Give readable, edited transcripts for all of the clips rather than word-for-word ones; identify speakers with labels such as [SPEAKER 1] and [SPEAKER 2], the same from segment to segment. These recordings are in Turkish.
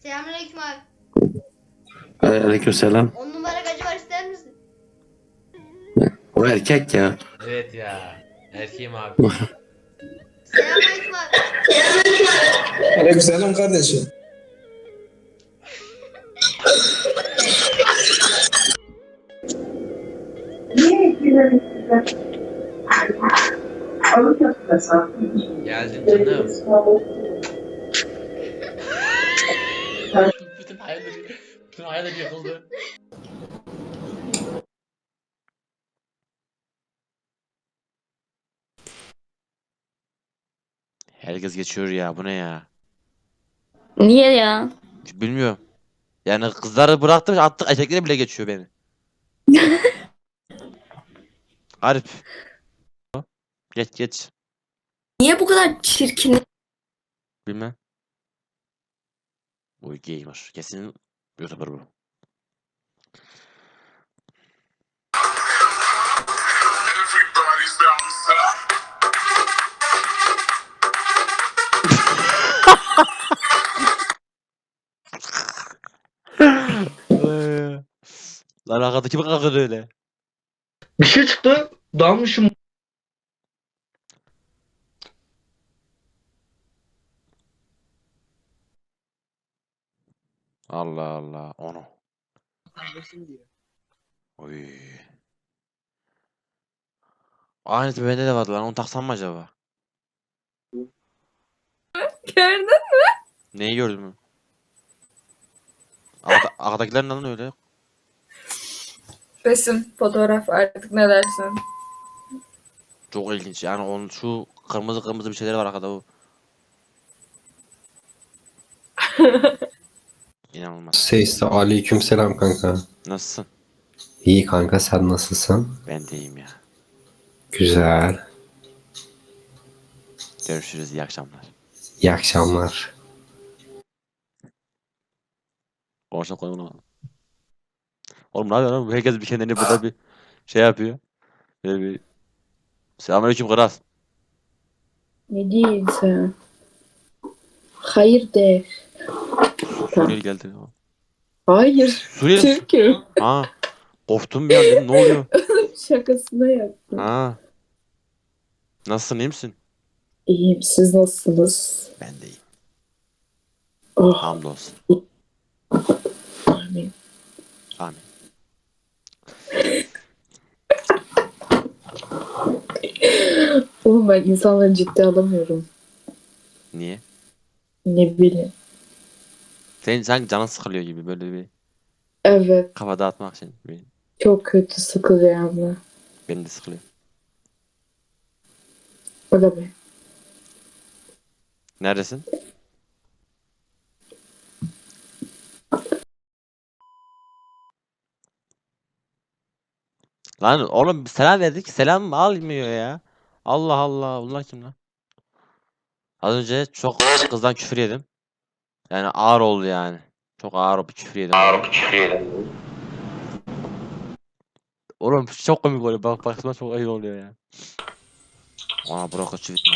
[SPEAKER 1] Selamünaleyküm abi.
[SPEAKER 2] Aleykümselam.
[SPEAKER 1] 10 numara gacı var, ister misin?
[SPEAKER 2] O erkek ya.
[SPEAKER 3] Evet ya. Erkeğim abi.
[SPEAKER 1] Selamünaleyküm abi.
[SPEAKER 4] Aleykümselam kardeşim.
[SPEAKER 3] Geldim canım. bütün hayallerim, bütün hayallerim yıkıldı. Herkes geçiyor ya. Bu ne ya?
[SPEAKER 5] Niye ya?
[SPEAKER 3] Bilmiyorum. Yani kızları bıraktım, attık erkekleri bile geçiyor beni. Garip. Geç geç.
[SPEAKER 5] Niye bu kadar çirkin?
[SPEAKER 3] Bilmem. Bu gamer. Kesin YouTuber bu. Lan arkadaki mi kalkıyordu öyle?
[SPEAKER 4] Bir şey çıktı. Dalmışım.
[SPEAKER 3] Allah Allah. Onu. Oy. Aynısı bende de vardı lan. Onu taksam mı acaba?
[SPEAKER 5] Gördün.
[SPEAKER 3] Neyi gördün mü? Arkadakiler neden öyle?
[SPEAKER 5] Resim, fotoğraf artık ne dersin?
[SPEAKER 3] Çok ilginç. Yani onun şu kırmızı kırmızı bir şeyler var arkada bu. İnanılmaz.
[SPEAKER 6] Seyse aleykümselam kanka.
[SPEAKER 3] Nasılsın?
[SPEAKER 6] İyi kanka sen nasılsın?
[SPEAKER 3] Ben de iyiyim ya.
[SPEAKER 6] Güzel.
[SPEAKER 3] Görüşürüz. İyi akşamlar.
[SPEAKER 6] İyi akşamlar.
[SPEAKER 3] Konuşalım koyma. Oğlum ne yapıyorsun oğlum? Herkes bir kendini burada bir şey yapıyor. Böyle bir... Selamünaleyküm kral.
[SPEAKER 5] Ne diyorsun sen? Hayır de.
[SPEAKER 3] Suriyeli geldi.
[SPEAKER 5] Hayır.
[SPEAKER 3] Suriyeli mi?
[SPEAKER 5] Türk'üm.
[SPEAKER 3] Ha. Korktum bir an dedim. Ne oluyor?
[SPEAKER 5] Şakasına yaptım.
[SPEAKER 3] Ha. Nasılsın? İyi misin?
[SPEAKER 5] İyiyim. Siz nasılsınız?
[SPEAKER 3] Ben de iyiyim.
[SPEAKER 5] Oh.
[SPEAKER 3] Hamdolsun.
[SPEAKER 5] Amin.
[SPEAKER 3] Amin.
[SPEAKER 5] Oğlum ben insanları ciddi alamıyorum.
[SPEAKER 3] Niye?
[SPEAKER 5] Ne bileyim.
[SPEAKER 3] Senin sanki canın sıkılıyor gibi böyle bir
[SPEAKER 5] Evet.
[SPEAKER 3] kafa dağıtmak için.
[SPEAKER 5] Çok kötü sıkılıyor ama.
[SPEAKER 3] Beni de sıkılıyor.
[SPEAKER 5] O da be.
[SPEAKER 3] Neredesin? Lan oğlum selam verdik. Selam almıyor ya. Allah Allah. Bunlar kim lan? Az önce çok kızdan küfür yedim. Yani ağır oldu yani. Çok ağır bir küfür yedim. Oğlum çok komik oluyor. Bak baksana çok ayıp oluyor ya. Ana bırak çivit mi?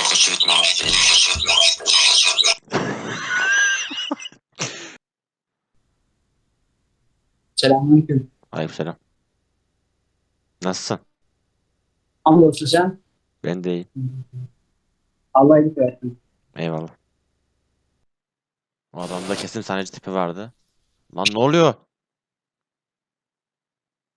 [SPEAKER 4] Selamünaleyküm.
[SPEAKER 3] Aleykümselam. Nasılsın?
[SPEAKER 4] Hamdolsun sen.
[SPEAKER 3] Ben de iyiyim.
[SPEAKER 4] Allah iyilik versin.
[SPEAKER 3] Eyvallah. O adamda kesin sahneci tipi vardı. Lan ne oluyor?